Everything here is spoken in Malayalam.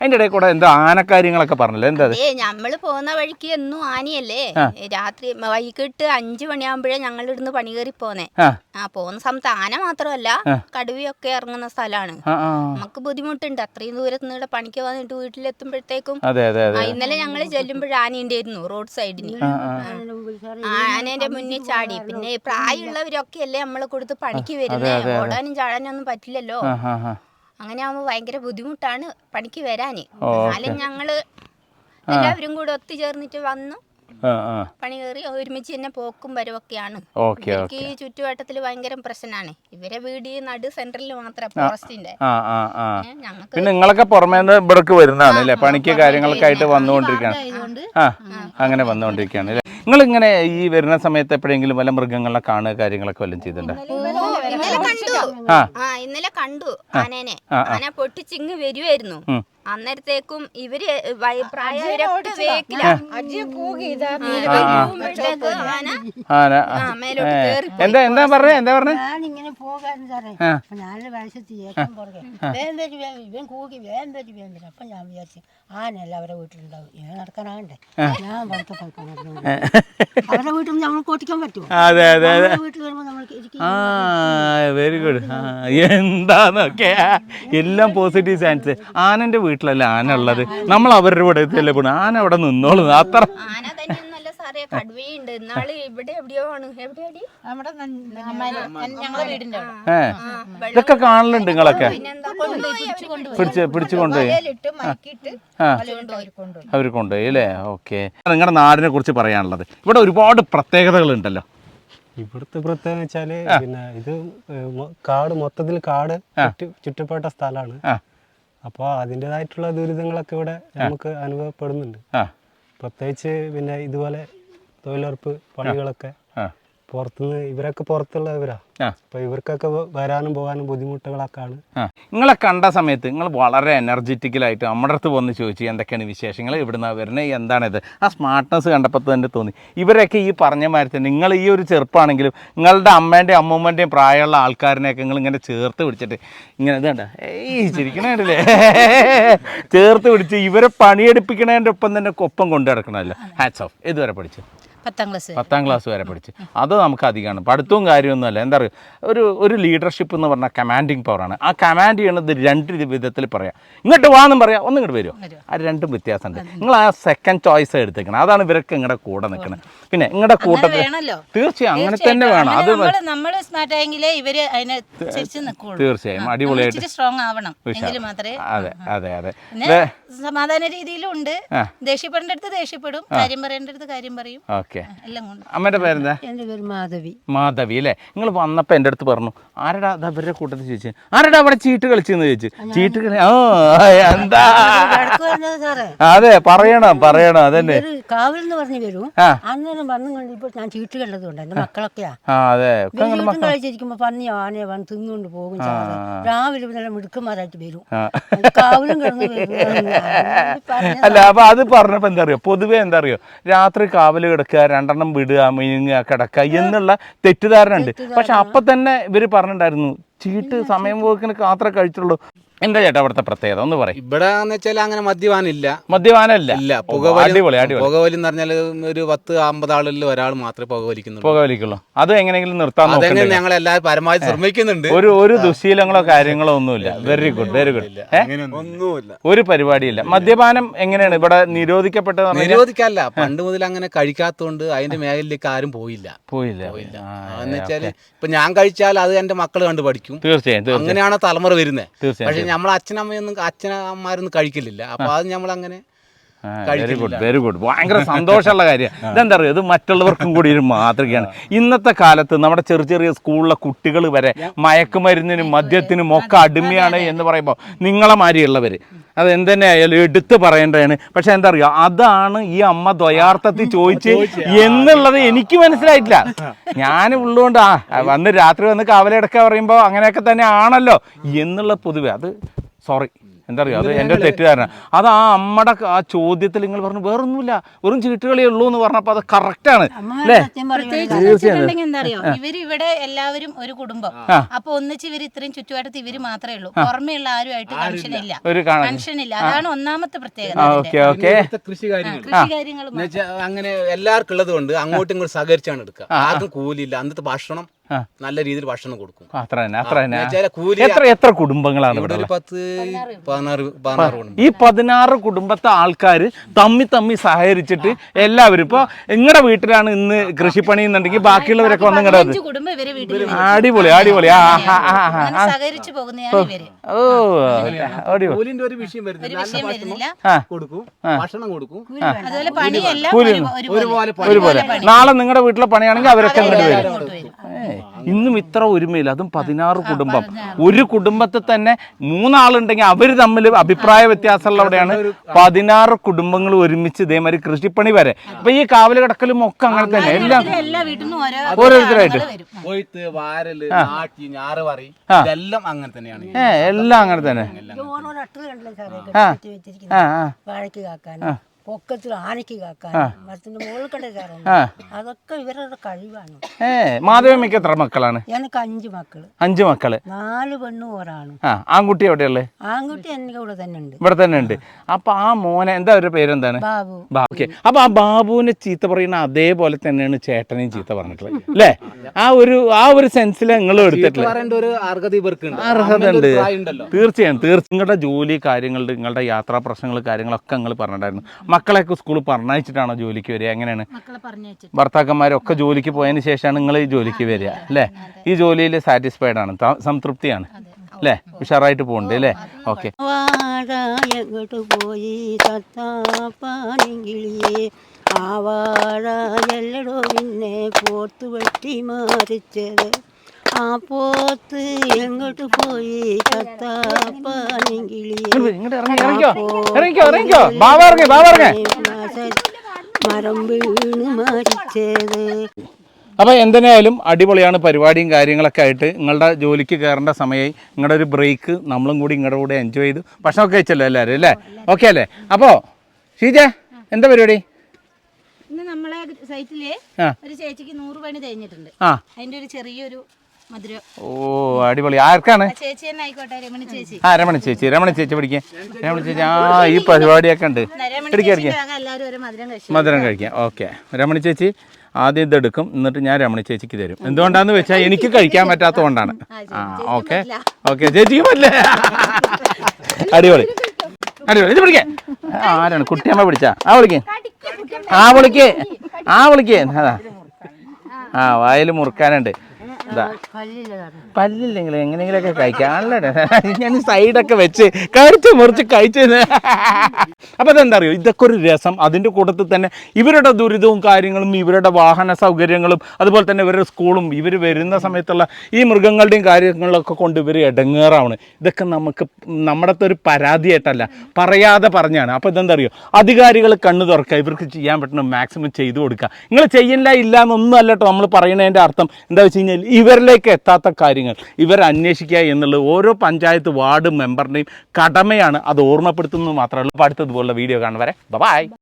അതിന്റെ ഇടയിൽ കൂടെ എന്താ ആനക്കാര്യങ്ങളൊക്കെ പറഞ്ഞല്ലോ, എന്താ നമ്മള് പോകുന്ന വഴിക്ക് എന്നും ആനയല്ലേ. രാത്രി വൈകിട്ട് 5 മണിയാകുമ്പോഴേ ഞങ്ങൾ ഇവിടുന്ന് പണി കയറി പോന്നേ. പോകുന്ന സമയത്ത് ആന മാത്രമല്ല കടുവയൊക്കെ ഇറങ്ങുന്ന സ്ഥലമാണ്. നമുക്ക് ബുദ്ധിമുട്ടുണ്ട് അത്രയും ദൂരത്ത് നിന്ന് പണിക്ക് വന്നിട്ട് വീട്ടിലെത്തുമ്പോഴത്തേക്കും. ഇന്നലെ ഞങ്ങൾ ചെല്ലുമ്പോൾ ആന ഉണ്ടായിരുന്നു റോഡ് സൈഡിന്. ആനേന്റെ മുന്നിൽ ചാടി. പിന്നെ പ്രായമുള്ളവരൊക്കെ അല്ലേ നമ്മളെ കൊടുത്ത് പണിക്ക് വരുന്നേ, ഓടാനും ചാടാനും ഒന്നും പറ്റില്ലല്ലോ. അങ്ങനെ ആവുമ്പോ ഭയങ്കര ബുദ്ധിമുട്ടാണ് പണിക്ക് വരാന്. എന്നാലും ഞങ്ങള് എല്ലാവരും കൂടെ ഒത്തുചേർന്നിട്ട് വന്നു പണി കയറി ഒരുമിച്ച് തന്നെ പോക്കും വരവൊക്കെയാണ്. ഈ ചുറ്റുവട്ടത്തില് ഭയങ്കര പ്രശ്നമാണ്. ഇവരെ വീട് നടു സെന്ററിൽ മാത്രം ഫോറസ്റ്റിന്റെ. പിന്നെ നിങ്ങളൊക്കെ പുറമേ ഇവിടേക്ക് വരുന്നതാണ് പണിക്ക് കാര്യങ്ങളൊക്കെ ആയിട്ട് വന്നുകൊണ്ടിരിക്കുകയാണ്. അങ്ങനെ വന്നുകൊണ്ടിരിക്കുകയാണ്. നിങ്ങളിങ്ങനെ ഈ വരുന്ന സമയത്ത് എപ്പോഴെങ്കിലും വല്ല മൃഗങ്ങളെ കാണുക കാര്യങ്ങളൊക്കെ വല്ലതും ചെയ്തിട്ടുണ്ടോ? ഇന്നലെ കണ്ടു ആനേനെ. ആന പൊട്ടിച്ചിങ്ങ് വരുമായിരുന്നു. അന്നേരത്തേക്കും ഇവര് പ്രായവരൊക്കെ വേക്കില്ല. എന്താ പറഞ്ഞേ ഞാനിങ്ങനെ പോകാൻ സാറേ. ഞാൻ വയസ്സെത്തി ഇവൻ കൂകി വേഗം വരും. അപ്പൊ ഞാൻ വിചാരിച്ചു ആനല്ല അവരെ വീട്ടിലുണ്ടാവും, ഇങ്ങനെ നടക്കാനാകണ്ടേ. ഞാൻ പുറത്ത് പോയിക്കൊണ്ടിരുന്നു. അവരുടെ വീട്ടിൽ നമ്മൾ ഓട്ടിക്കാൻ പറ്റുമോ? വീട്ടിൽ വരുമ്പോ നമ്മൾക്ക് വെരി ഗുഡ്. എന്താന്നൊക്കെ എല്ലാം പോസിറ്റീവ് സയൻസ്. ആനന്റെ വീട്ടിലല്ല ആന ഉള്ളത്, നമ്മൾ അവരുടെ ഇവിടെ എത്തിയല്ലേ പോണു. ആന അവിടെ നിന്നോളൂ. അത്ര ആന തന്നെയൊന്നല്ല സാറേ, കടുവയുണ്ട്. ഇന്നാള് ഇവിടെ എവിടെയോ ആണ്. എവിടെയാടി? ഞങ്ങളുടെ വീടിന്റെ ഇതൊക്കെ കാണലുണ്ട് നിങ്ങളൊക്കെ? പിടിച്ചു കൊണ്ടുപോയി അവർ കൊണ്ടുപോയി അല്ലേ? ഓക്കെ. നിങ്ങളുടെ നാടിനെ കുറിച്ച് പറയാനുള്ളത്, ഇവിടെ ഒരുപാട് പ്രത്യേകതകൾ ഉണ്ടല്ലോ. ഇവിടുത്തെ പ്രത്യേകത വെച്ചാല് പിന്നെ ഇത് കാട്, മൊത്തത്തിൽ കാട് ചുറ്റപ്പെട്ട സ്ഥലമാണ്. അപ്പോൾ അതിൻ്റെതായിട്ടുള്ള ദുരിതങ്ങളൊക്കെ ഇവിടെ നമുക്ക് അനുഭവപ്പെടുന്നുണ്ട്. പ്രത്യേകിച്ച് പിന്നെ ഇതുപോലെ തൊഴിലുറപ്പ് പണികളൊക്കെ പുറത്തുനിന്ന്, ഇവരൊക്കെ പുറത്തുള്ളവരാ. അപ്പൊ ഇവർക്കൊക്കെ വരാനും പോകാനും ബുദ്ധിമുട്ടുകളൊക്കെയാണ്. നിങ്ങളെ കണ്ട സമയത്ത് നിങ്ങൾ വളരെ എനർജറ്റിക്കലായിട്ട് നമ്മുടെ അടുത്ത് വന്ന് ചോദിച്ചു എന്തൊക്കെയാണ് വിശേഷങ്ങൾ, ഇവിടുന്ന് വരുന്നത്, എന്താണിത്. ആ സ്മാർട്ട്നെസ് കണ്ടപ്പോൾ തന്നെ തോന്നി ഇവരൊക്കെ ഈ പറഞ്ഞ മാതിരി തന്നെ നിങ്ങൾ ഈ ഒരു ചെറുപ്പമാണെങ്കിലും നിങ്ങളുടെ അമ്മേൻ്റെയും അമ്മൂമ്മൻ്റെയും പ്രായമുള്ള ആൾക്കാരിനെയൊക്കെ നിങ്ങൾ ഇങ്ങനെ ചേർത്ത് പിടിച്ചിട്ട് ഇങ്ങനെ ഇതുണ്ട ചിരിക്കണേ ചേർത്ത് പിടിച്ച് ഇവരെ പണിയെടുപ്പിക്കണതിൻ്റെ ഒപ്പം തന്നെ ഒപ്പം കൊണ്ടു നടക്കണമല്ലോ. Hats off. ഇതുവരെ പഠിച്ചു 10ാം ക്ലാസ് വരെ പഠിച്ച്. അത് നമുക്ക് അധികമാണ്. പഠിത്തവും കാര്യമൊന്നുമല്ല. എന്താ പറയുക, ഒരു ലീഡർഷിപ്പ് എന്ന് പറഞ്ഞാൽ കമാൻഡിങ് പവറാണ്. ആ കമാൻഡ് ചെയ്യണത് 2 വിധത്തിൽ പറയാം. ഇങ്ങോട്ട് വാന്നും പറയാം, ഒന്നും ഇങ്ങോട്ട് വരുമോ. ആ രണ്ടും വ്യത്യാസമുണ്ട്. നിങ്ങൾ ആ സെക്കൻഡ് ചോയ്സ് എടുത്തേക്കണം. അതാണ് ഇവരൊക്കെ നിങ്ങളുടെ കൂടെ നിൽക്കുന്നത്. പിന്നെ നിങ്ങളുടെ കൂട്ടത്തിൽ തീർച്ചയായും അങ്ങനെ തന്നെ വേണം. അത് തീർച്ചയായും അടിപൊളിയായിട്ട്. അതെ അതെ അതെ. സമാധാന രീതിയിലുണ്ട്. ദേഷ്യപ്പെടേണ്ടടുത്ത് ദേഷ്യപ്പെടും, കാര്യം പറയേണ്ടടുത്ത് കാര്യം പറയും. അമ്മയുടെ പേരെന്താ? എന്റെ പേര് മാധവി. മാധവി അല്ലേ? നിങ്ങൾ വന്നപ്പോ എന്റെ അടുത്ത് പറഞ്ഞു ആരടാ അവരുടെ കൂട്ടത്തിൽ ചോദിച്ചു, ആരടാ അവിടെ ചീട്ട് കളിച്ചെന്ന് ചോദിച്ചു. ചീട്ട് കളി എന്താ? അതെ പറയണം അതന്നെ. കാവൽ എന്ന് പറഞ്ഞു വരും. അന്നേരം വന്നു കണ്ടിപ്പോ ഞാൻ ചീട്ട് കണ്ടതുകൊണ്ട് എന്റെ മക്കളൊക്കെയാ. അതെ കളിച്ചിരിക്കുമ്പോ പന്നി ആനയെ വന്ന് തിന്നുകൊണ്ട് പോകും. രാവിലെ നല്ല മിടുക്കന്മാരായിട്ട് വരും. കാവലും കിടന്നു അല്ല. അപ്പൊ അത് പറഞ്ഞപ്പോ എന്താ അറിയോ, പൊതുവെ എന്താ അറിയോ, രാത്രി കാവല് കിടക്കുക, 2 വിടുക, മിനുങ്ങുക, കിടക്കുക എന്നുള്ള തെറ്റിദ്ധാരണ ഉണ്ട്. പക്ഷെ അപ്പൊ തന്നെ ഇവര് പറഞ്ഞിട്ടുണ്ടായിരുന്നു ചീട്ട് സമയം പോക്കിന് മാത്രമേ കഴിച്ചുള്ളൂ. എന്താ ചേട്ടാ അവിടുത്തെ പ്രത്യേകത ഒന്ന് പറയും? ഇവിടെ വെച്ചാൽ അങ്ങനെ മദ്യപാനമില്ല. പുകവലി എന്ന് പറഞ്ഞാൽ ഒരു 10-50 ആളിൽ ഒരാൾ മാത്രമേ പുകവലിക്കുള്ളൂ. അത് എങ്ങനെയെങ്കിലും നിർത്താൻ ഞങ്ങൾ എല്ലാവരും പരമാവധി ശ്രമിക്കുന്നുണ്ട്. ഒരു ദുശീലങ്ങളോ കാര്യങ്ങളോ ഒന്നുമില്ല. Very good. ഒന്നുമില്ല, ഒരു പരിപാടിയില്ല. മദ്യപാനം എങ്ങനെയാണ് ഇവിടെ നിരോധിക്കപ്പെട്ടത്? നിരോധിക്കല്ല, പണ്ട് മുതൽ അങ്ങനെ കഴിക്കാത്തതുകൊണ്ട് അതിന്റെ മേഖലയിലേക്ക് ആരും പോയില്ല. എന്ന് വെച്ചാല് ഇപ്പൊ ഞാൻ കഴിച്ചാൽ അത് എന്റെ മക്കൾ കണ്ട് പഠിക്കും. തീർച്ചയായും അങ്ങനെയാണ് തലമുറ വരുന്നത്. പക്ഷെ നമ്മളെ അച്ഛനമ്മയൊന്നും കഴിക്കലില്ല. അപ്പൊ അത് നമ്മളങ്ങനെ. Very good. ഭയങ്കര സന്തോഷമുള്ള കാര്യം. ഇതെന്താ പറയുക, ഇത് മറ്റുള്ളവർക്കും കൂടി ഒരു മാതൃകയാണ്. ഇന്നത്തെ കാലത്ത് നമ്മുടെ ചെറിയ സ്കൂളിലെ കുട്ടികൾ വരെ മയക്കുമരുന്നിനും മദ്യത്തിനും ഒക്കെ അടിമയാണ് എന്ന് പറയുമ്പോൾ നിങ്ങളെ മാതിരിയുള്ളവർ അത് എന്തെന്നെ ആയാലും എടുത്ത് പറയേണ്ടതാണ്. പക്ഷെ എന്താ പറയുക, അതാണ് ഈ അമ്മ ദ്വയാർത്ഥത്തിൽ ചോദിച്ച് എന്നുള്ളത് എനിക്ക് മനസ്സിലായിട്ടില്ല. ഞാൻ ഉള്ളതുകൊണ്ട് രാത്രി വന്ന് കാവലെടുക്കുക പറയുമ്പോൾ അങ്ങനെയൊക്കെ തന്നെ ആണല്ലോ എന്നുള്ള പൊതുവെ അത് സോറി എന്താ പറയുക, അത് എൻ്റെ തെറ്റുകാരനാണ്. അത് ആ അമ്മയുടെ ആ ചോദ്യത്തിൽ നിങ്ങൾ പറഞ്ഞു വേറൊന്നുമില്ല, വെറും ചീട്ടുകളേ ഉള്ളൂ എന്ന് പറഞ്ഞപ്പോൾ അത് കറക്റ്റാണ് അല്ലേ? പ്രത്യേകിച്ച് എന്താ അറിയോ, ഇവര് ഇവിടെ എല്ലാവരും ഒരു കുടുംബം. അപ്പൊ ഒന്നിച്ച് ഇവര് ഇത്രയും ചുറ്റുവട്ടത്ത് ഇവര് മാത്രമേ ഉള്ളൂ, പുറമെയുള്ള ആരുമായിട്ട് കൺഷനില്ല. അതാണ് ഒന്നാമത്തെ പ്രത്യേകത. കൃഷി കാര്യങ്ങൾ അങ്ങനെ എല്ലാവർക്കും ഉള്ളത് കൊണ്ട് അങ്ങോട്ടും ഇങ്ങോട്ടും സഹകരിച്ചാണ് എടുക്കുക. ആർക്കും കൂലിയില്ല. അന്നത്തെ ഭക്ഷണം നല്ല രീതിയിൽ ഭക്ഷണം കൊടുക്കും. അത്ര തന്നെ. എത്ര കുടുംബങ്ങളാണ് ഇവിടെ? 16 ഈ 16 കുടുംബത്തെ ആൾക്കാർ തമ്മി സഹകരിച്ചിട്ട് എല്ലാവരും ഇപ്പൊ നിങ്ങളുടെ വീട്ടിലാണ് ഇന്ന് കൃഷിപ്പണി എന്നുണ്ടെങ്കിൽ ബാക്കിയുള്ളവരൊക്കെ വന്ന് നിങ്ങളുടെ അടിപൊളി സഹകരിച്ചു പോകുന്നതാണ് ഇവര്. കൂലിന്റെ ഒരു വിഷയം വരുന്നില്ല. കൊടുക്കും, ഭക്ഷണം കൊടുക്കും, അതുപോലെ പണിയെല്ലാം ഒരുപോലെ. നാളെ നിങ്ങളുടെ വീട്ടിലെ പണിയാണെങ്കിൽ അവരൊക്കെ അങ്ങോട്ട് വരും. ഇന്നും ഇത്ര ഒരുമയില്ല, അതും 16 കുടുംബം. ഒരു കുടുംബത്തിൽ തന്നെ 3 ആളുണ്ടെങ്കിൽ അവര് തമ്മിൽ അഭിപ്രായ വ്യത്യാസമുള്ളവിടെയാണ് 16 കുടുംബങ്ങൾ ഒരുമിച്ച് ഇതേമാതിരി കൃഷിപ്പണി വരെ. അപ്പൊ ഈ കാവല് കിടക്കലും ഒക്കെ അങ്ങനെ തന്നെ എല്ലാം ഓരോരുത്തരായിട്ട് കൊയ്ത്ത്, വാരല്, നാട്ടി, ഞാറ് പറ ഇതെല്ലാം അങ്ങനെ തന്നെയാണ്. എല്ലാം അങ്ങനെ തന്നെ. വാഴയ്ക്ക് കാക്കാൻ, പൊക്കത്തിൽ ആനയ്ക്ക് കാക്കാൻ, മരത്തിന്റെ മുകളിൽ കണ്ട കയറാൻ, അതൊക്കെ ഇവരുടെ കഴിവാണ്. മാധവമ്മയ്ക്ക് എത്ര മക്കളാണ്? എനിക്ക് 5 മക്കള്. 5 മക്കള്, 4 പെണ്ണും 1 ആണും. ആൺകുട്ടി എവിടെയുള്ളത്? ആൺകുട്ടി എന്റെ കൂടെ തന്നെ ഉണ്ട്. ഇവിടെ തന്നെ ഉണ്ട്. അപ്പൊ ആ മോനെ എന്താ അവരുടെ പേരെന്താണ്? ബാബു. ഓക്കെ. അപ്പൊ ആ ബാബുവിനെ ചീത്ത പറയുന്ന അതേപോലെ തന്നെയാണ് ചേട്ടനെയും ചീത്ത പറഞ്ഞിട്ടുള്ളത് അല്ലേ? ആ ഒരു സെൻസിൽ നിങ്ങൾ എടുത്തിട്ടുള്ളത് അർഹത ഉണ്ട്. തീർച്ചയായും നിങ്ങളുടെ ജോലി കാര്യങ്ങളുടെ, നിങ്ങളുടെ യാത്രാ പ്രശ്നങ്ങൾ കാര്യങ്ങളൊക്കെ നിങ്ങൾ പറഞ്ഞിട്ടുണ്ടായിരുന്നു. മക്കളെയൊക്കെ സ്കൂളിൽ പറഞ്ഞയച്ചിട്ടാണോ ജോലിക്ക് വരിക? എങ്ങനെയാണ്? ഭർത്താക്കന്മാരൊക്കെ ജോലിക്ക് പോയതിന് ശേഷമാണ് നിങ്ങൾ ഈ ജോലിക്ക് വരിക അല്ലേ? ഈ ജോലിയിൽ സാറ്റിസ്ഫൈഡ് ആണ്, സംതൃപ്തിയാണ് അല്ലേ? ഉഷാറായിട്ട് പോകുന്നുണ്ട് അല്ലേ? ഓക്കെ. വാഴ പോയി തത്താപ്പാനെങ്കിളിയേ, ആ വാഴ എല്ലടോ പിന്നെ പോത്ത് വെട്ടി മാറിച്ചത്, ആ പോത്ത് എങ്ങോട്ട് പോയി തത്താപ്പാനെങ്കിളിയേ, മരം വീണ് മരിച്ചത്. അപ്പോൾ എന്തിനായാലും അടിപൊളിയാണ് പരിപാടിയും കാര്യങ്ങളൊക്കെ ആയിട്ട്. നിങ്ങളുടെ ജോലിക്ക് കയറേണ്ട സമയമായി, നിങ്ങളുടെ ഒരു ബ്രേക്ക് നമ്മളും കൂടി നിങ്ങളുടെ കൂടെ എൻജോയ് ചെയ്തു. ഭക്ഷണമൊക്കെ കഴിച്ചല്ലോ എല്ലാവരും അല്ലേ? ഓക്കെ അല്ലേ? അപ്പോൾ ഷീജ എന്താ പരിപാടി? ഇന്ന് നമ്മളെ സൈറ്റില് ഒരു ചേച്ചിക്ക് 100 പണി കഴിഞ്ഞിട്ടുണ്ട്. അതിന്റെ ഒരു ചെറിയൊരു മധുരം. ഓ അടിപൊളി. ആർക്കാണ്? ചേച്ചി തന്നെ ആയിക്കോട്ടെ, രമണി ചേച്ചി. രമണി ചേച്ചി പഠിക്കാൻ. രമണി ചേച്ചി ഈ പരിപാടിയൊക്കെ ഉണ്ട്. മധുരം കഴിക്കാം. ഓക്കെ. രമണി ചേച്ചി ആദ്യം ഇതെടുക്കും, എന്നിട്ട് ഞാൻ രമണി ചേച്ചിക്ക് തരും. എന്തുകൊണ്ടാന്ന് വെച്ചാൽ എനിക്ക് കഴിക്കാൻ പറ്റാത്തത് കൊണ്ടാണ്. ഓക്കെ ചേച്ചിക്ക് പറ്റില്ലേ? അടിപൊളി. ഇത് പിടിക്കേ. ആരാണ്? കുട്ടിയമ്മ പിടിച്ചാ? വിളിക്കേ. അതാ വായിൽ മുറുക്കാനുണ്ട്. പല്ലില്ലെങ്കിൽ എങ്ങനെയെങ്കിലൊക്കെ കഴിക്കാനല്ലേ ഞാൻ സൈഡൊക്കെ വെച്ച് മുറിച്ച് കഴിച്ചത്. അപ്പം അതെന്താ അറിയോ, ഇതൊക്കെ ഒരു രസം. അതിൻ്റെ കൂട്ടത്തിൽ തന്നെ ഇവരുടെ ദുരിതവും കാര്യങ്ങളും, ഇവരുടെ വാഹന സൗകര്യങ്ങളും, അതുപോലെ തന്നെ ഇവരുടെ സ്കൂളും, ഇവർ വരുന്ന സമയത്തുള്ള ഈ മൃഗങ്ങളുടെയും കാര്യങ്ങളൊക്കെ കൊണ്ട് ഇവർ ഇടങ്ങേറാണ്. ഇതൊക്കെ നമ്മുടെ ഒരു പരാതിയായിട്ടല്ല, പറയാതെ പറഞ്ഞാണ്. അപ്പോൾ ഇതെന്താ അറിയോ, അധികാരികൾ കണ്ണു തുറക്കുക, ഇവർക്ക് ചെയ്യാൻ പറ്റുന്ന മാക്സിമം ചെയ്തു കൊടുക്കുക. നിങ്ങൾ ചെയ്യില്ല ഇല്ല എന്നൊന്നും അല്ല കേട്ടോ നമ്മൾ പറയുന്നതിൻ്റെ അർത്ഥം. എന്താ വെച്ച് കഴിഞ്ഞാൽ ഇവരിലേക്ക് എത്താത്ത കാര്യങ്ങൾ ഇവർ അന്വേഷിക്കുക എന്നുള്ളത് ഓരോ പഞ്ചായത്ത് വാർഡ് മെമ്പറിൻ്റെയും കടമയാണ്. അത് ഓർമ്മപ്പെടുത്തുന്നത് മാത്രമല്ല. അടുത്തതുപോലുള്ള വീഡിയോ കാണുവരെ ബൈ.